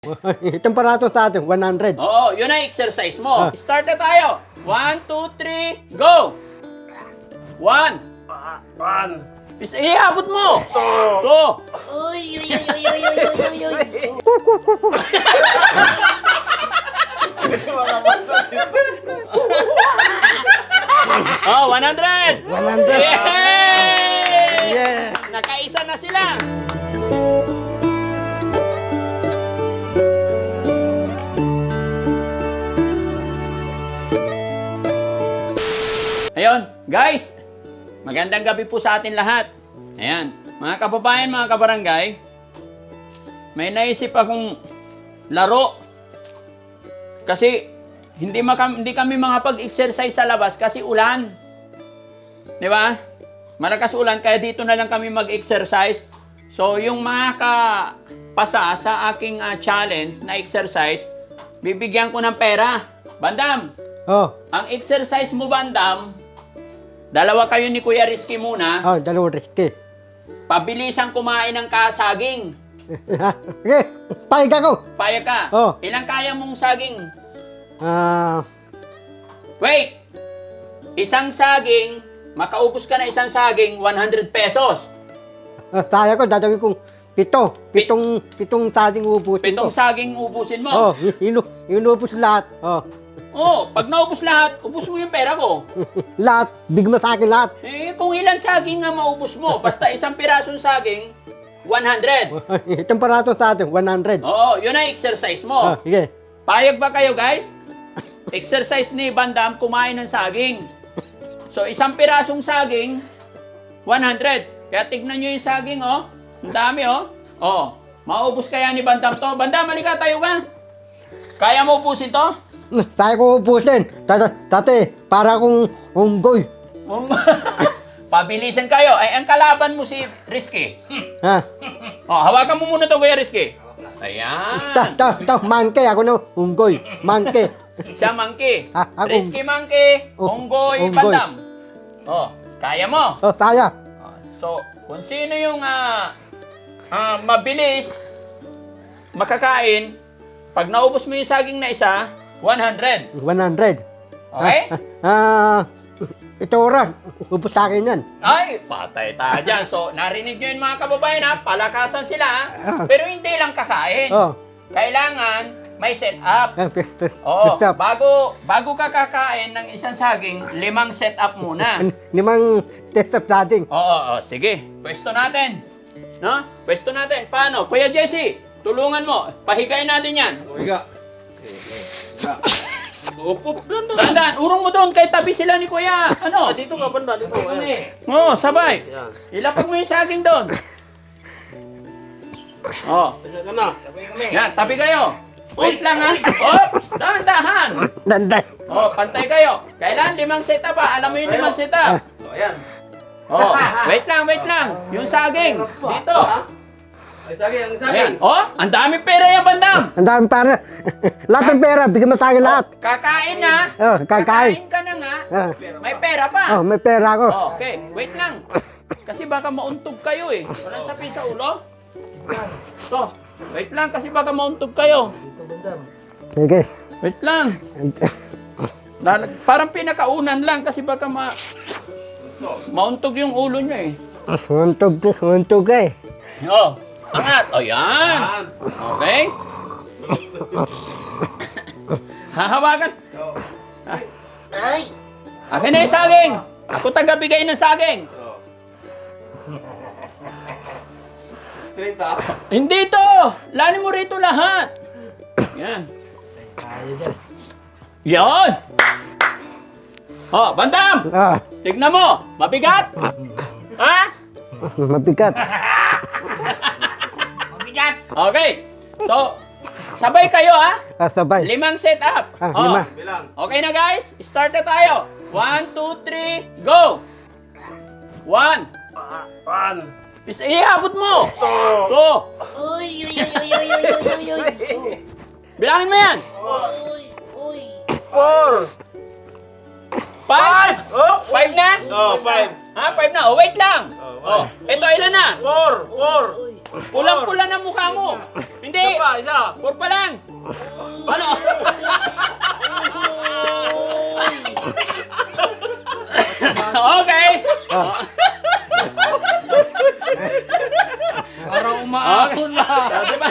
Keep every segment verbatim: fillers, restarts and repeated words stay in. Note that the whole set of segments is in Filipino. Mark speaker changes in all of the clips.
Speaker 1: Itong parato sa atin, one hundred.
Speaker 2: Oo, yun ang exercise mo.
Speaker 1: Ah.
Speaker 2: Start na tayo. One, two, three, go! One.
Speaker 3: One.
Speaker 2: Is iabot mo.
Speaker 3: Two.
Speaker 2: Two.
Speaker 4: Uy, uy, uy, uy, uy, uy, uy, uy, uy.
Speaker 2: Oh, one hundred.
Speaker 1: one hundred.
Speaker 2: Yay!
Speaker 1: Yeah.
Speaker 2: Nakaisa na sila. Ayun, guys. Magandang gabi po sa atin lahat. Ayan, mga kababayan, mga kabarangay. May naisip akong laro. Kasi hindi, maka, hindi kami makapag-exercise sa labas kasi ulan. Di ba? Malakas ulan, kaya dito na lang kami mag-exercise. So, yung makapasa sa aking uh, challenge na exercise, bibigyan ko ng pera. Bandam,
Speaker 1: Oh,
Speaker 2: ang exercise mo, Bandam, dalawa kayo ni Kuya Rizky muna,
Speaker 1: oh, dalawang riski.
Speaker 2: pabilisang kumain ng kasaging.
Speaker 1: Okay, pahiga ko.
Speaker 2: Payag ka.
Speaker 1: Oh.
Speaker 2: Ilang kaya mong saging?
Speaker 1: Ah,
Speaker 2: Wait! Isang saging, makaubos ka na isang saging, one hundred pesos.
Speaker 1: uh, saya ko, dadawin kong pito. Pitong, pitong sating ubusin
Speaker 2: Pitong
Speaker 1: ko.
Speaker 2: saging ubusin mo.
Speaker 1: Oh, inu, inubos lahat. Oh,
Speaker 2: Oh, pag naubos lahat, ubos mo yung pera ko.
Speaker 1: lahat, bigma sa akin lahat.
Speaker 2: Eh, kung ilang saging nga maubos mo, basta isang pirasong saging, one hundred.
Speaker 1: Itong parato sa atin, one hundred.
Speaker 2: Oo, yun ang exercise mo.
Speaker 1: Oh, sige.
Speaker 2: Payag ba kayo, guys? Exercise ni Bandam, kumain ng saging. So, isang pirasong saging, one hundred. Kaya tignan nyo yung saging, oh. Ang dami, oh. Oh, maubos kaya ni Bandam to. Bandam, halika, tayo ka. Kaya mo ubusin to?
Speaker 1: Saya ko ubusin. Dati, dati, para kong unggoy.
Speaker 2: Um, Pabilisan kayo. Ay, ang kalaban mo si Rizky.
Speaker 1: Ha?
Speaker 2: Oh, hawakan mo muna to, Kuya Rizky. Ayan.
Speaker 1: Ta, ta, ta, mangke, ako na unggoy. Mangke.
Speaker 2: Siya monkey.
Speaker 1: Ah, ako-
Speaker 2: Rizky monkey.
Speaker 1: Oh,
Speaker 2: Unggoy,
Speaker 1: unggoy.
Speaker 2: Bandam. Oh, kaya mo.
Speaker 1: Oh, saya.
Speaker 2: Oh, so, kung sino yung ah, ah, mabilis makakain, pag naubos mo yung saging na isa, one hundred.
Speaker 1: one hundred.
Speaker 2: Okay?
Speaker 1: Ah, ito oras. Ubus sa akin yan.
Speaker 2: Ay, patay tayo dyan. So, narinig nyo yun mga kababayan ha, palakasan sila ha. Pero hindi lang kakain.
Speaker 1: Oh.
Speaker 2: Kailangan may set up.
Speaker 1: Ah, pista.
Speaker 2: Oo,
Speaker 1: Pista.
Speaker 2: bago, bago ka kakain ng isang saging, limang set up muna.
Speaker 1: Limang test of dating.
Speaker 2: Oo, oo, sige. Pwesto natin. No? Pwesto natin. Paano? Kuya Jesse, tulungan mo. Pahigain natin yan.
Speaker 3: Higa. Upo.
Speaker 2: Dandan, urong mo doon. Kay tabi sila ni Kuya. Ano?
Speaker 3: Dito ka, banda. Dito. Ayan.
Speaker 2: Oo, sabay.
Speaker 3: Yan.
Speaker 2: Ilapag mo yung saging doon. Oo.
Speaker 3: Isa ka na.
Speaker 2: Yan, tabi kayo. Wait lang ha. Oops, dahan-dahan.
Speaker 1: Danday.
Speaker 2: Oh, pantay kayo. Kailan limang setup ha? Alam mo yung limang setup?
Speaker 3: O, ayan.
Speaker 2: Oh, wait lang, wait lang. Yung saging, dito.
Speaker 3: Ay, saging, ang saging.
Speaker 2: Ayan. Oh, ang daming pera yan, Bandam.
Speaker 1: Ang dami para. Lahat ng pera, bigyan mo sa akin lahat.
Speaker 2: Kakain na.
Speaker 1: Oh, kakain.
Speaker 2: ka na nga.
Speaker 1: Ah.
Speaker 2: May pera pa.
Speaker 1: Oh, may pera ako.
Speaker 2: Oh, okay, wait lang. Kasi baka mauntog kayo eh. Walang sapi sa ulo. So, wait lang kasi baka mauntog kayo.
Speaker 1: Sige.
Speaker 2: Wait lang. Lalag- Parang pinakaunan lang kasi baka ma mauntog yung ulo nyo eh.
Speaker 1: Suntog, suntog eh.
Speaker 2: Oh, angat. O yan.
Speaker 3: Yan.
Speaker 2: Okay. Hahawakan.
Speaker 4: Ay!
Speaker 2: Akin na yung saging. Ako taga-bigay ng saging.
Speaker 3: O. Straight ah.
Speaker 2: Hindi to. Lanin mo rito lahat. Yan. Yan. Oh, Bandam.
Speaker 1: Ah,
Speaker 2: Tignan mo. Mabigat. Ha?
Speaker 1: mabigat.
Speaker 2: Mabigat. Okay. So, sabay kayo ha.
Speaker 1: Ah, sabay.
Speaker 2: Limang set up.
Speaker 1: Ah,
Speaker 2: Oh.
Speaker 1: lima.
Speaker 3: Bilang.
Speaker 2: Okay na guys? Start na tayo. One, two, three, go! One.
Speaker 3: One.
Speaker 2: Is iabot mo.
Speaker 3: Two.
Speaker 2: Two.
Speaker 4: Uy, uy, uy, uy, uy, uy, uy, uy, uy.
Speaker 2: Bilangin mo yan.
Speaker 4: Uy, uy.
Speaker 3: Four.
Speaker 2: Five.
Speaker 3: Oh.
Speaker 2: Five na?
Speaker 3: Oh, five.
Speaker 2: Ah, five na. Oh, wait lang.
Speaker 3: Oh,
Speaker 2: Oh, ito ilan na?
Speaker 3: Four! Four!
Speaker 2: Pulang-pula na mukha mo. Hindi.
Speaker 3: Isa pa, isa!
Speaker 2: Four pa lang. Ano? Okay.
Speaker 5: Parang umaahon na.
Speaker 2: Diba?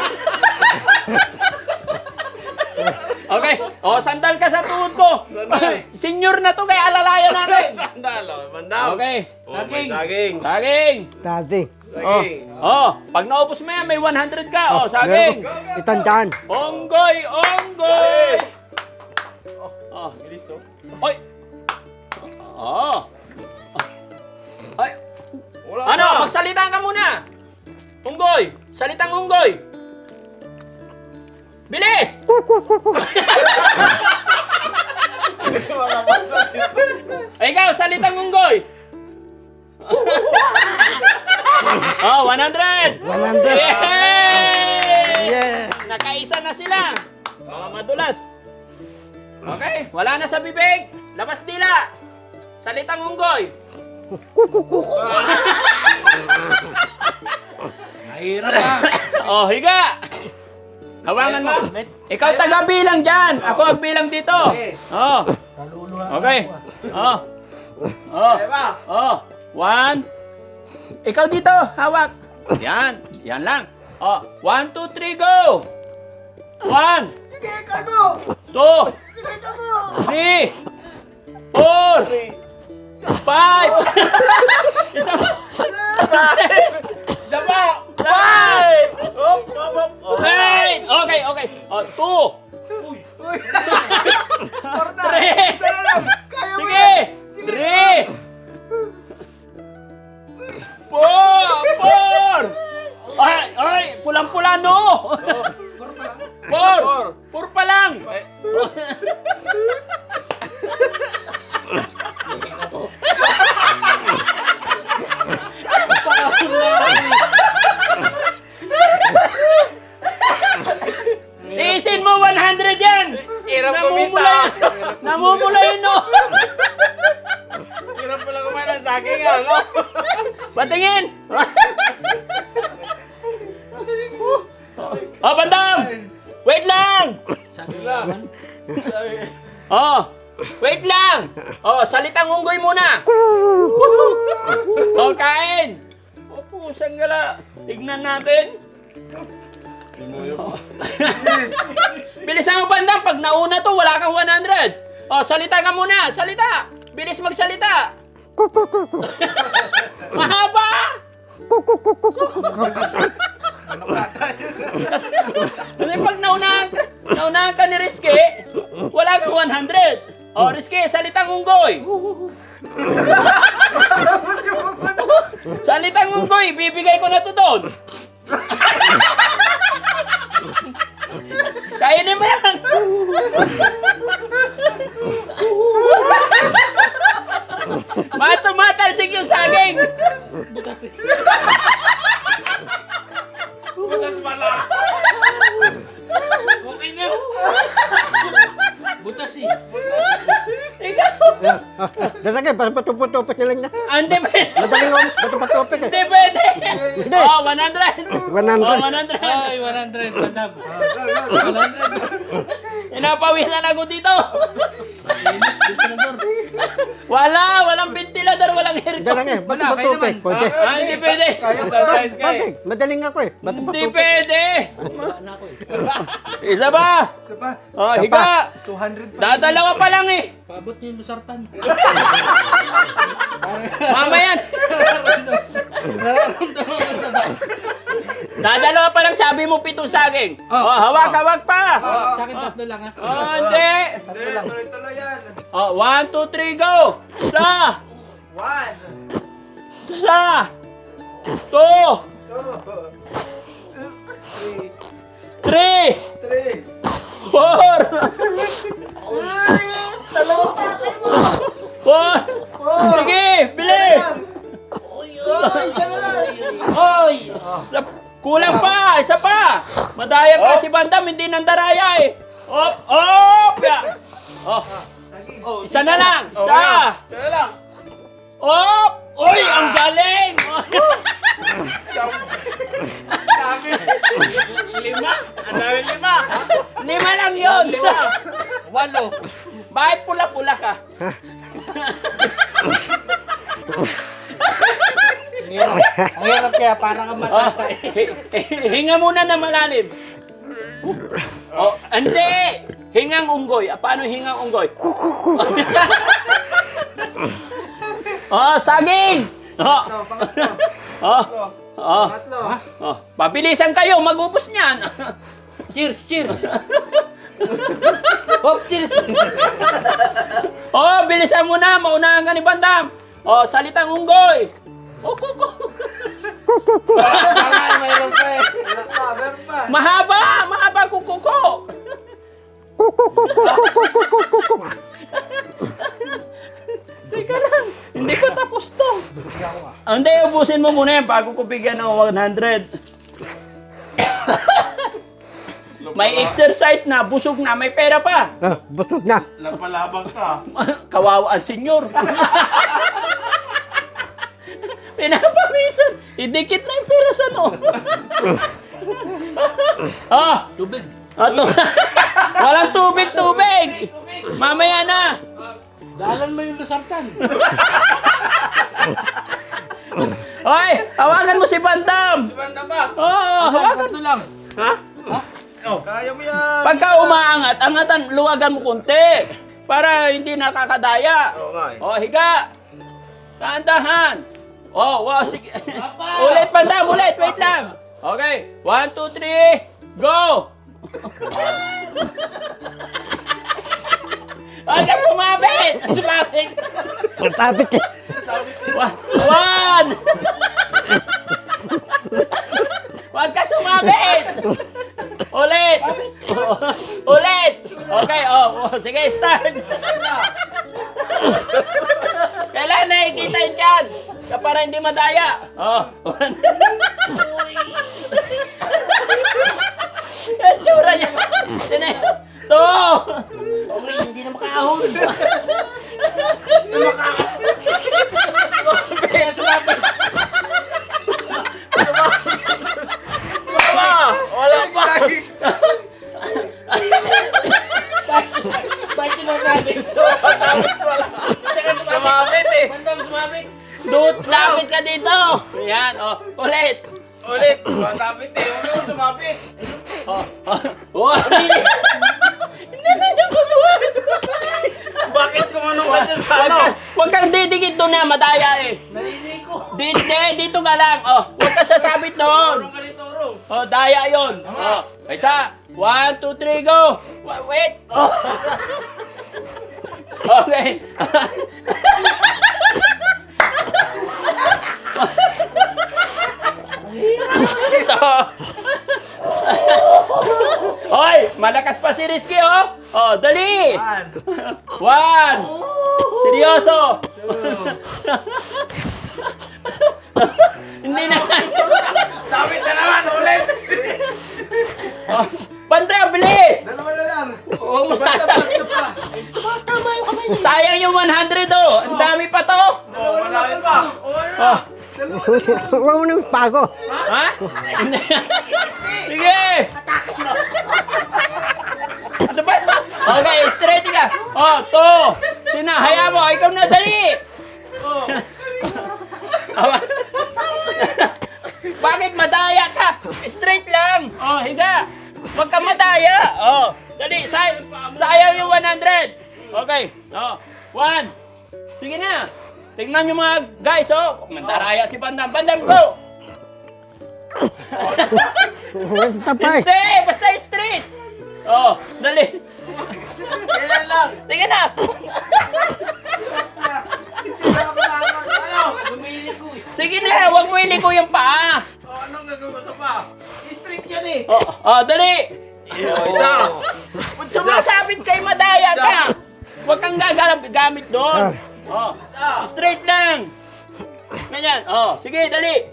Speaker 2: Okay. Oh, sandal ka sa tuhod ko.
Speaker 3: Sandal.
Speaker 2: Senior na to, kaya alalayan natin.
Speaker 3: Sandal, oh, mandam!
Speaker 2: Okay.
Speaker 3: Oh, may saging!
Speaker 2: Saging.
Speaker 1: Dati.
Speaker 2: Oh.
Speaker 3: Saging!
Speaker 2: Oh, pag naubos mo yan, may one hundred ka. Oh, saging.
Speaker 1: Itandaan.
Speaker 2: Onggoy, onggoy. Oh.
Speaker 3: Bilis, oh.
Speaker 2: Oy. Oh. Ay,
Speaker 3: Wala
Speaker 2: ano,
Speaker 3: na.
Speaker 2: magsalita ka muna. Unggoy, salitang unggoy. Bilis!
Speaker 3: Wala pa sa
Speaker 2: Ay, ikaw, salitang unggoy. Oh, one hundred!
Speaker 1: one hundred.
Speaker 2: Yay!
Speaker 1: Yeah.
Speaker 2: Nakaisa na sila. Mga madulas. Okay, wala na sa bibig. Labas dila. Salitang unggoy.
Speaker 5: Mahirap na.
Speaker 2: Oh, higa. Hawangan mo. Ikaw taga-bilang dyan. Ako ang bilang dito. Oh.
Speaker 5: Kaluluwa.
Speaker 2: Okay. Oh. Oh.
Speaker 3: Kaya ba?
Speaker 2: Oh. One. Ikaw dito. Hawak. Yan. Yan lang. Oh. One, two, three, go. One. Two. Three. Four. Five. Isa pa.
Speaker 3: Isa pa!
Speaker 2: Five.
Speaker 3: Hop, hop, hop! Oh.
Speaker 2: Eight. Okay, okay. Oh, two. Three. Sige. Three. Four. Four. Ay, ay, pulang-pula no. Four.
Speaker 3: Four.
Speaker 2: Four pa lang.
Speaker 3: Ay,
Speaker 2: Tiisin mo one hundred yan.
Speaker 3: Hirap
Speaker 2: Namumula.
Speaker 3: kumita.
Speaker 2: Namumula yun no.
Speaker 3: Hirap pala kumain ng saging, ano?
Speaker 2: Patingin. Oh, bandam. Wait lang.
Speaker 3: Wala. Sabi-
Speaker 2: Oh, wait lang. Oh, salitang unggoy muna. Oh, kain. Oh, pusang gala. Tignan natin. Bilisan mo bandam. Pag nauna to, wala kang one hundred. Oh, salita ka muna. Salita. Bilis magsalita. Mahaba. Kasi pag naunahan ka, naunahan ka ni Rizky, wala kang one hundred. Oh, Rizky, salitang unggoy. Salitang unggoy, bibigay ko na to doon. Kainin mo yan. Matumatalsik yung saging.
Speaker 3: Butas pala!
Speaker 5: Okay na. Butas eh.
Speaker 2: Ikaw.
Speaker 1: Dalagay, para patupot-tupot na lang na.
Speaker 2: Hindi pwede.
Speaker 1: Madaling om, patupot-tupot eh.
Speaker 2: Hindi pwede.
Speaker 1: Hindi.
Speaker 2: Oh, one hundred.
Speaker 1: one
Speaker 2: Oh,
Speaker 1: hundred.
Speaker 2: one hundred.
Speaker 5: Ay, one hundred. Bandam. one hundred.
Speaker 2: Inapawisan ako dito.
Speaker 5: Init. Senador.
Speaker 2: Wala, walang ventilador, walang aircon.
Speaker 1: Dalagay,
Speaker 5: Wala, kayo
Speaker 1: patupot-tupot.
Speaker 5: naman.
Speaker 1: Pwede.
Speaker 2: Ah, hindi pwede.
Speaker 3: Kaya surprise ka
Speaker 1: Pwede.
Speaker 3: eh.
Speaker 1: Madaling ako eh.
Speaker 2: Hindi
Speaker 1: Patupot-tupot.
Speaker 2: pwede.
Speaker 5: Wala na ako eh.
Speaker 2: Isa ba?
Speaker 3: Isa pa.
Speaker 2: Oh, higa.
Speaker 3: two hundred pa.
Speaker 2: Dadalawa pa lang eh.
Speaker 5: Paabot niyo yung lusartan.
Speaker 2: Mama yan. Dadalawa pa lang sabi mo pitong saging.
Speaker 5: Oh.
Speaker 2: Oh, hawak, hawak pa.
Speaker 5: Sa akin tatlo lang ha.
Speaker 2: Oh, hindi.
Speaker 3: Hindi, tuloy-tuloy yan.
Speaker 2: Oh, one, two, three, go. Isa.
Speaker 3: One.
Speaker 2: Isa. Two.
Speaker 3: Two. Three.
Speaker 2: Three.
Speaker 3: Three.
Speaker 2: Four. Four. Sige, bilis. Oy. Isa, kulang pa, isa pa. Madaya pa si Bandam, hindi nandaraya eh. Op, op. Ya. Oh,
Speaker 3: Saging.
Speaker 2: isa na lang. Isa.
Speaker 3: Okay. Isa na lang.
Speaker 2: Oh! Uy, ang galing!
Speaker 3: Sabi. Lima? Ang dami lima.
Speaker 2: Lima lang yun!
Speaker 5: Walo.
Speaker 2: Bakit pula-pula ka?
Speaker 5: Ang hirap. Ang hirap kaya para kang
Speaker 2: Oh,
Speaker 5: matatay.
Speaker 2: hinga muna na malalim. Oh, hindi! Hingang unggoy. Ah, paano hingang unggoy? Oh, saging! Oh,
Speaker 3: Ito, pangatlo.
Speaker 2: oh, oh,
Speaker 3: Pangatlo.
Speaker 2: oh. Pabilisan kayo, magubos niyan.
Speaker 5: Cheers, cheers. Hop, cheers.
Speaker 2: Oh, bilisan mo na, maunahan ka ni Bandam. Oh, salitang unggoy. Oh, kuko.
Speaker 3: Baka mayroon pa eh. Meron pa, meron pa.
Speaker 2: Mahaba, mahaba kuko ko. Teka lang, hindi ko tapos to. Ah, hindi, ubusin mo muna yan bago ko bigyan ng one hundred. May exercise na, busog na, may pera pa.
Speaker 1: Ah, busog na.
Speaker 3: Napalabang ka.
Speaker 2: Kawawa ang senyor. Pinapamisan. Idikit na yung pera sa no. Ah,
Speaker 5: Tubig.
Speaker 2: ato. Walang tubig, tubig. Mamaya na.
Speaker 5: Dalan mo yung lusartan.
Speaker 2: Hoy, hawakan mo si Bandam.
Speaker 3: Banda ba?
Speaker 2: Oo, oh, hawakan.
Speaker 5: Tatlo lang.
Speaker 3: Ha? Oh. Kaya mo yan.
Speaker 2: Pagka umaangat, angatan, luwagan mo konti. Para hindi nakakadaya.
Speaker 3: Oo nga eh.
Speaker 2: Oh, higa. Dahan-dahan. Oh, wow, sige. Ulit, Bandam, ulit. Wait lang. Okay. One, two, three. Go! Huwag ka sumabit! Sumabit!
Speaker 1: Matapit eh.
Speaker 2: Wa- One! Huwag ka sumabit! Ulit! Ulit! Okay, oh, oh, sige, start! Kailangan nakikita yun dyan! Para hindi madaya! Oh. Ang tsura niya! Sine- To!
Speaker 4: Uy, hindi na makahon.
Speaker 3: Wala! Wala pa!
Speaker 4: Bakit sinasabi?
Speaker 3: Sumabit eh!
Speaker 4: Bandam sumabit.
Speaker 2: Dut, lapit ka dito! Ayan, oh, ulit!
Speaker 3: Ulit! Sumabit eh! Huwag mo sumabit!
Speaker 2: Oh, oh, oh. Hindi na niya ko sumabit!
Speaker 3: Bakit kumanong ka dyan sa
Speaker 2: Huwag
Speaker 3: ano?
Speaker 2: ka- Huwag kang didikit doon na, madaya eh!
Speaker 4: Narinig ko.
Speaker 2: Dito, dito ka lang! Oh, huwag ka sasabit doon!
Speaker 3: Turong ka rin, turong!
Speaker 2: Oh, daya yon. Oh, isa. One, two, three, go! Wa- Wait! Oh. Okay. Ito. Hoy, malakas pa si Rizky, oh. Oh, dali.
Speaker 3: One!
Speaker 2: One. Seryoso. Hindi na.
Speaker 3: Sabit na naman! Ulit!
Speaker 2: Oh, Bandam, bilis.
Speaker 3: Dalawa na lang!
Speaker 2: Huwag mo
Speaker 3: Basta,
Speaker 2: sasabi.
Speaker 3: basta pa!
Speaker 4: Tama yung kamay niya.
Speaker 2: Sayang yung one hundred, oh. Ang dami pa to.
Speaker 3: Oh, malapit pa!
Speaker 2: Oh.
Speaker 1: Huwag mo nang pago.
Speaker 2: Ha? Hindi. Sige. Ano ba? Okay, straight ka. Oh, to. Sina, hayaan mo. Ikaw na, dali.
Speaker 3: Oh!
Speaker 2: Bakit madaya ka? Straight lang. Oh, higa. Huwag ka madaya. Oh, dali. Say sayang yung one hundred. Okay. Oh, one. Sige na. Tingnan nyo mga guys, oh. Mandaraya si Bandam. Bandam, go.
Speaker 1: Tapay.
Speaker 2: Hindi, basta straight. Oh, dali.
Speaker 3: Kailan lang!
Speaker 2: Sige na.
Speaker 3: Ano?
Speaker 4: Bumili ko eh.
Speaker 2: Sige na, huwag mo iliko yung paa.
Speaker 3: Oh, anong gagawin mo sa pa?
Speaker 4: Street yan eh.
Speaker 2: Oh, oh dali.
Speaker 3: Oh, isa!
Speaker 2: Kung sumasabit kay madaya ka, huwag kang gagamit gamit doon. Oh, straight lang. Ganyan. Oh, sige, dali.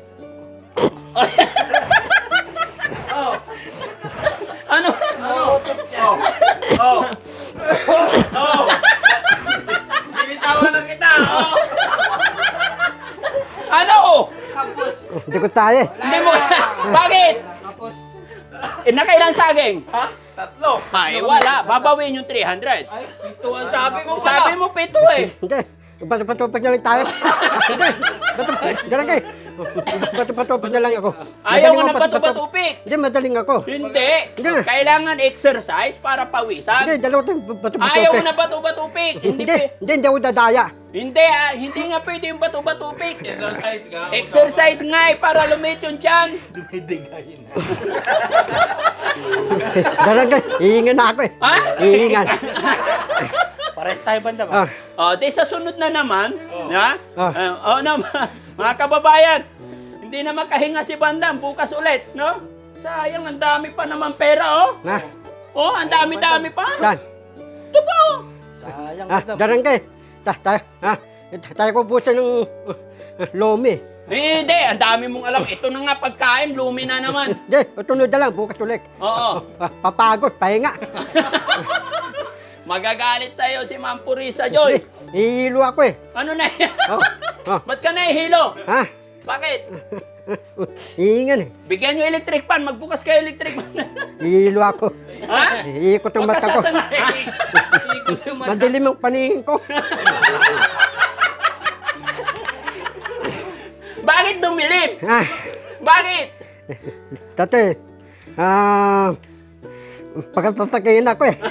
Speaker 3: Oh!
Speaker 2: Ano?
Speaker 3: Ano? Oh! Oh! Oh! Binitawan na kita! Oh!
Speaker 1: ko tayo eh.
Speaker 2: Hindi mo, bakit? Eh, nakailan saging?
Speaker 3: Ha? Tatlo.
Speaker 2: Ay, wala. Babawin yung three hundred.
Speaker 3: Ay, ito ang sabi mo pala.
Speaker 2: Sabi mo pito eh.
Speaker 1: Hindi. Bato-patupad na lang tayo. Hindi. Bato-patupad. Ganun kayo. Bato-patupad na lang ako.
Speaker 2: Ayaw mo
Speaker 1: Madaling
Speaker 2: ng
Speaker 1: ako
Speaker 2: bato-batupik.
Speaker 1: Hindi, madaling ako.
Speaker 2: Hindi.
Speaker 1: Hindi na.
Speaker 2: Kailangan exercise para
Speaker 1: Hindi,
Speaker 2: pawisan.
Speaker 1: dalawa tayong bato-patupad.
Speaker 2: Ayaw mo na bato-batupik. Hindi,
Speaker 1: Hindi,
Speaker 2: pe-
Speaker 1: hindi, hindi ako dadaya.
Speaker 2: hindi, ah, hindi nga pwede yung bato-batupik.
Speaker 3: Exercise ka.
Speaker 2: Exercise nga eh, para lumit yung tiyan.
Speaker 1: Ganun kayo. Hihingan na ako eh.
Speaker 2: Ha?
Speaker 1: Hihingan.
Speaker 5: Pares tayo banda ba?
Speaker 1: Ah,
Speaker 2: O, di sa sunod na naman, ha?
Speaker 1: Ah.
Speaker 2: Uh, oh, naman, mga kababayan, hindi na makahinga si Bandam, bukas ulit, no? Sayang, ang dami pa naman pera, oh.
Speaker 1: na.
Speaker 2: Oh, ang dami-dami pa.
Speaker 1: Dan.
Speaker 2: Ito pa, oh.
Speaker 5: Sayang
Speaker 1: Ah,
Speaker 5: bandam.
Speaker 1: ganun kayo. Ta, tayo, ha? Tayo ko busa ng uh, lomi.
Speaker 2: Eh, Hindi, ang dami mong alam. Ito na nga pagkain, lumi na naman.
Speaker 1: Hindi, tunod na lang, bukas ulit.
Speaker 2: Oo.
Speaker 1: Ah, papagod, pahinga.
Speaker 2: Magagalit sa'yo si Ma'am Purisa Joy.
Speaker 1: Hihilo ako eh.
Speaker 2: Ano na yan?
Speaker 1: Oh, oh,
Speaker 2: Ba't ka nahihilo?
Speaker 1: ha?
Speaker 2: Bakit?
Speaker 1: Hihingan eh.
Speaker 2: Bigyan nyo electric fan, magbukas kayo electric fan.
Speaker 1: Hihilo ako.
Speaker 2: Ha?
Speaker 1: Iikot ang
Speaker 2: Huwag
Speaker 1: mata
Speaker 2: ka
Speaker 1: ko.
Speaker 2: sasanay. Ikot yung mata.
Speaker 1: Madilim ang paningin ko.
Speaker 2: Bakit dumilim?
Speaker 1: Ah,
Speaker 2: Bakit?
Speaker 1: dati, ah, pagkatatakihin ako eh.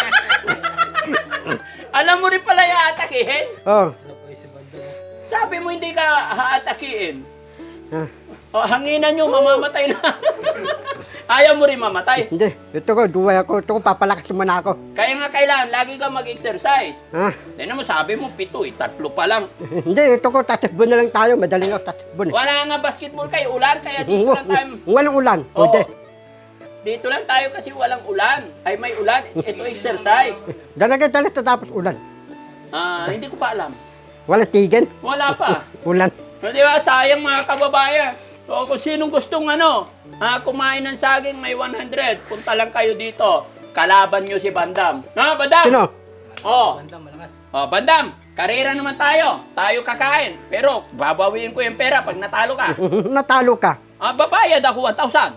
Speaker 2: Alam mo rin pala yung atakihin?
Speaker 1: Oh,
Speaker 2: Sabi mo hindi ka haatakiin.
Speaker 1: ah,
Speaker 2: O, hanginan nyo, mamamatay na. Ayaw mo rin mamatay.
Speaker 1: hindi. Ito ko, duway ako. Ito ko, papalakas muna ako.
Speaker 2: Kaya nga kailangan, lagi ka mag-exercise.
Speaker 1: Ha?
Speaker 2: Tignan mo, sabi mo, pito eh, tatlo pa lang.
Speaker 1: Hindi, ito ko, tatakbo na lang tayo. Madaling ako tatakbo eh.
Speaker 2: Wala nga basketball kayo, ulan, kaya dito lang tayo.
Speaker 1: Walang ulan.
Speaker 2: Oo.
Speaker 1: Pwede.
Speaker 2: Dito lang tayo kasi walang ulan. Ay, may ulan. Ito exercise.
Speaker 1: Dalaga dala tapos ulan.
Speaker 2: Ah, hindi ko pa alam.
Speaker 1: Walang tigil.
Speaker 2: Wala pa.
Speaker 1: Ulan.
Speaker 2: O, di ba, sayang mga kababayan. O, kung sinong gustong ano, ah, kumain ng saging, may one hundred. Punta lang kayo dito. Kalaban nyo si Bandam. Na, Bandam?
Speaker 1: Sino?
Speaker 2: Oh,
Speaker 5: Bandam, malakas.
Speaker 2: oh, Bandam, karera naman tayo. Tayo kakain. Pero, babawiin ko yung pera pag natalo ka.
Speaker 1: Natalo ka.
Speaker 2: Ah, babayad ako one thousand.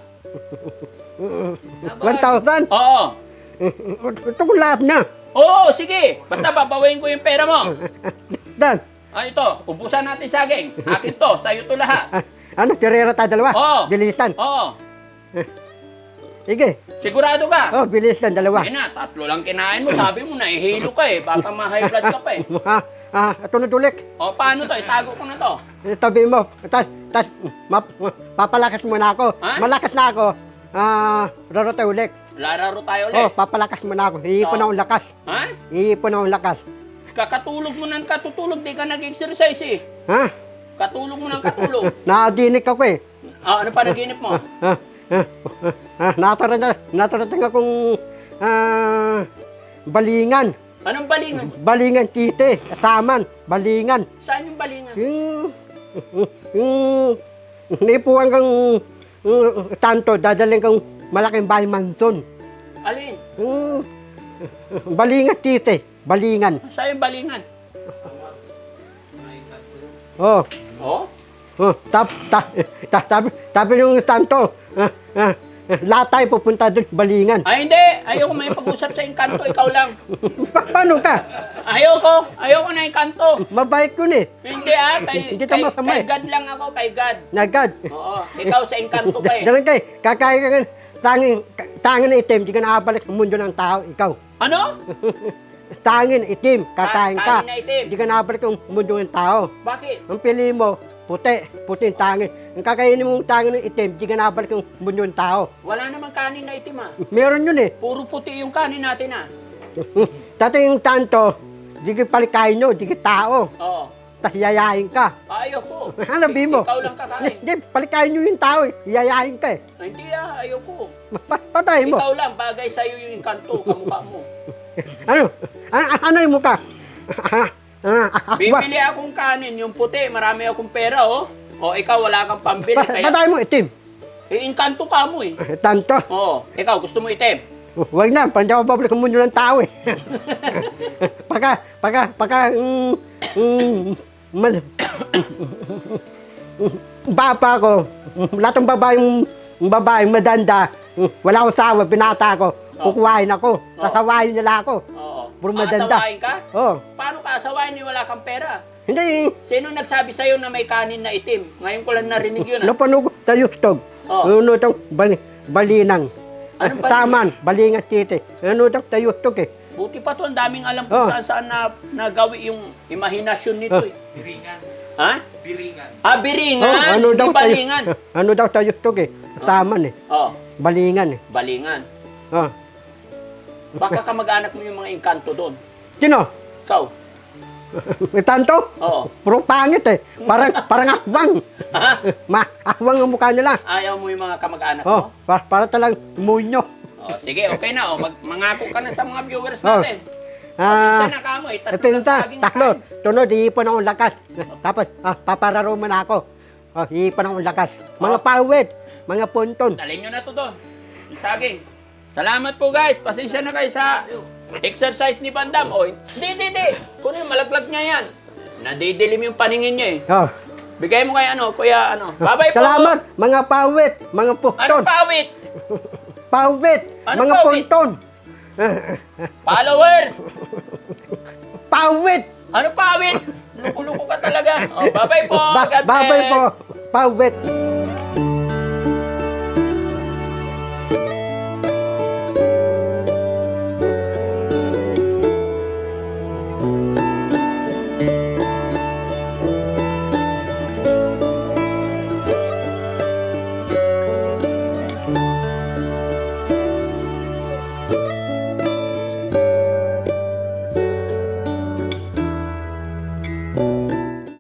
Speaker 1: one thousand?
Speaker 2: Oo.
Speaker 1: Ito ko lahat na.
Speaker 2: Oo, sige. Basta babawiin ko yung pera mo.
Speaker 1: Dan.
Speaker 2: Ah, ito, ubusan natin saging. Akin to, sa'yo to lahat.
Speaker 1: Ah, ano, tirera tayo dalawa?
Speaker 2: Oo.
Speaker 1: Bilisan.
Speaker 2: Oo.
Speaker 1: Sige.
Speaker 2: Sigurado ka?
Speaker 1: Oh, bilisan dalawa.
Speaker 2: Ay na, tatlo lang kinain mo. Sabi mo, nahihilo ka eh. Baka ma-high blood ka pa eh.
Speaker 1: Ah, ah, ito na tulik.
Speaker 2: O, paano to? Itago ko na to.
Speaker 1: Tabi mo. Tas, tas, map, papalakas mo na ako.
Speaker 2: Ha?
Speaker 1: Malakas na ako. Ah, raro tayo ulit.
Speaker 2: Lararo tayo
Speaker 1: Oh,
Speaker 2: ulit.
Speaker 1: papalakas mo na ako. Iipon
Speaker 2: Oo.
Speaker 1: akong lakas.
Speaker 2: Ha?
Speaker 1: Iipon akong lakas.
Speaker 2: Kakatulog mo ng katutulog, di ka nag-exercise eh.
Speaker 1: Ha?
Speaker 2: Katulog mo ng katulog.
Speaker 1: Naadinik ako eh.
Speaker 2: Ah, ano pa naginip mo?
Speaker 1: Ah, ah, ah, natarating, natarating akong ah, balingan.
Speaker 2: Anong balingan?
Speaker 1: Balingan tite, saman, balingan.
Speaker 2: Saan yung balingan?
Speaker 1: Yung, yung, naipuan kang uh, tanto, dadaling kang malaking bahay manson.
Speaker 2: Alin?
Speaker 1: Yung, balingan tite, balingan.
Speaker 2: Saan yung balingan?
Speaker 1: Oh,
Speaker 2: Oh?
Speaker 1: oh, tap, tap, tap, tabi, tabi yung tanto, ah, ah, lahat tayo pupunta doon, balingan.
Speaker 2: Ay, hindi. Ayoko may pag-usap sa engkanto. Ikaw lang.
Speaker 1: Pa- paano ka?
Speaker 2: Ayoko. Ayoko na engkanto.
Speaker 1: Mabait ko ni.
Speaker 2: Hindi ah. Kay,
Speaker 1: Hindi
Speaker 2: kay,
Speaker 1: tama sama
Speaker 2: kay
Speaker 1: eh.
Speaker 2: God lang ako. Kay God.
Speaker 1: Nagad.
Speaker 2: Oo. Ikaw sa engkanto pa eh.
Speaker 1: Dalang kay, kakain ka ng tanging, tangin na itim, di ka nakabalik sa mundo ng tao, ikaw.
Speaker 2: Ano?
Speaker 1: Tangin na itim, kakain ka.
Speaker 2: Kain na itim.
Speaker 1: Di ka nakabalik sa mundo ng tao.
Speaker 2: Bakit?
Speaker 1: Ang pili mo, puti, puti yung tangin. Ang kakainin mong tangin ng itim, di ka nakabalik sa mundo ng tao.
Speaker 2: Wala namang kanin na itim ah.
Speaker 1: Meron yun eh.
Speaker 2: Puro puti yung kanin natin ah.
Speaker 1: Dati yung tanto, di ka palikain nyo, di ka tao.
Speaker 2: Oo.
Speaker 1: Tapos yayain ka.
Speaker 2: Ayoko.
Speaker 1: Ano sabi mo?
Speaker 2: Ikaw lang kakain.
Speaker 1: Hindi, palikain nyo yung tao eh. Yayain ka eh.
Speaker 2: Ay, hindi ah. Ayoko.
Speaker 1: Pa- patay mo.
Speaker 2: Ikaw lang. Bagay sa'yo yung engkanto. Kamukha mo.
Speaker 1: Ano? A- a- ano yung mukha? Ah, ah, ah,
Speaker 2: Bibili akong kanin. Yung puti. Marami akong pera oh. O ikaw wala kang pambili.
Speaker 1: Pa-
Speaker 2: Kaya,
Speaker 1: patay mo itim.
Speaker 2: eh, engkanto ka mo eh.
Speaker 1: Tanto.
Speaker 2: Oo. Ikaw gusto mo itim.
Speaker 1: Huwag na, parang di ako babalik ang mundo ng tao eh. pagka, pagka, pagka, mm, mm, mal, bapa ko, lahat ng babaeng, babaeng madanda, wala akong sawa, binata ko,
Speaker 2: Oh.
Speaker 1: kukuhain ako,
Speaker 2: Oh.
Speaker 1: sasawayin nila ako.
Speaker 2: Oo.
Speaker 1: Puro madanda.
Speaker 2: Aasawain ka?
Speaker 1: Oh,
Speaker 2: Paano ka asawain ni wala kang pera?
Speaker 1: hindi,
Speaker 2: Sino nagsabi sa'yo na may kanin na itim? Ngayon ko lang narinig yun. Ah.
Speaker 1: napanog sa yustog.
Speaker 2: Oh.
Speaker 1: Ano itong bali, balinang.
Speaker 2: Anong balinang?
Speaker 1: Saman, balingan city. Ano itong sa yustog eh.
Speaker 2: Buti pa to, ang daming alam kung
Speaker 1: Oh.
Speaker 2: saan saan na nagawi yung imahinasyon nito
Speaker 1: Oh.
Speaker 2: eh.
Speaker 3: Biringan.
Speaker 2: Ha?
Speaker 3: Biringan.
Speaker 2: Ah, biringan,
Speaker 1: Oh, ano
Speaker 2: hindi
Speaker 1: daw sa
Speaker 2: balingan.
Speaker 1: Ano daw sa yustog eh. Saman eh.
Speaker 2: Oh,
Speaker 1: Balingan eh.
Speaker 2: balingan.
Speaker 1: Oh.
Speaker 2: Baka kamag-anak mo yung mga engkanto doon.
Speaker 1: Sino?
Speaker 2: Ikaw?
Speaker 1: May tanto?
Speaker 2: Oo.
Speaker 1: Puro pangit eh. Parang, parang akbang.
Speaker 2: Ha?
Speaker 1: Ma, akbang ang mukha nila.
Speaker 2: Ayaw mo yung mga kamag-anak
Speaker 1: Oh,
Speaker 2: mo?
Speaker 1: para, para talagang munyo.
Speaker 2: Oh, sige, okay na. Oh. Mag mangako ka na sa mga viewers
Speaker 1: Oh.
Speaker 2: natin.
Speaker 1: Ah,
Speaker 2: Pasensya na ka mo eh. Tatlo
Speaker 1: ito
Speaker 2: lang
Speaker 1: yun ta,
Speaker 2: saging
Speaker 1: taklo.
Speaker 2: kain.
Speaker 1: Tunod, iipon akong lakas. Tapos, ah, papararo man ako. Oh, iipon akong lakas. Mga
Speaker 2: Oh.
Speaker 1: pawid, mga punton.
Speaker 2: Dalhin nyo na to doon. Yung saging. Salamat po guys. Pasensya na kayo sa exercise ni Bandam. O, hindi, hindi, hindi. Kuno yung malaglag niya yan. Nadidilim yung paningin niya eh.
Speaker 1: Oh.
Speaker 2: Bigay mo kay ano, kuya ano. Bye-bye po.
Speaker 1: Salamat, mga pawid, mga punton.
Speaker 2: Anong pawit?
Speaker 1: Pawid,
Speaker 2: Ano
Speaker 1: mga
Speaker 2: pawid?
Speaker 1: punton.
Speaker 2: Followers!
Speaker 1: Pawid!
Speaker 2: Ano pawit? Luko-luko ka talaga. O, bye-bye po.
Speaker 1: Ba-
Speaker 2: God
Speaker 1: babay
Speaker 2: bless.
Speaker 1: po, pawid.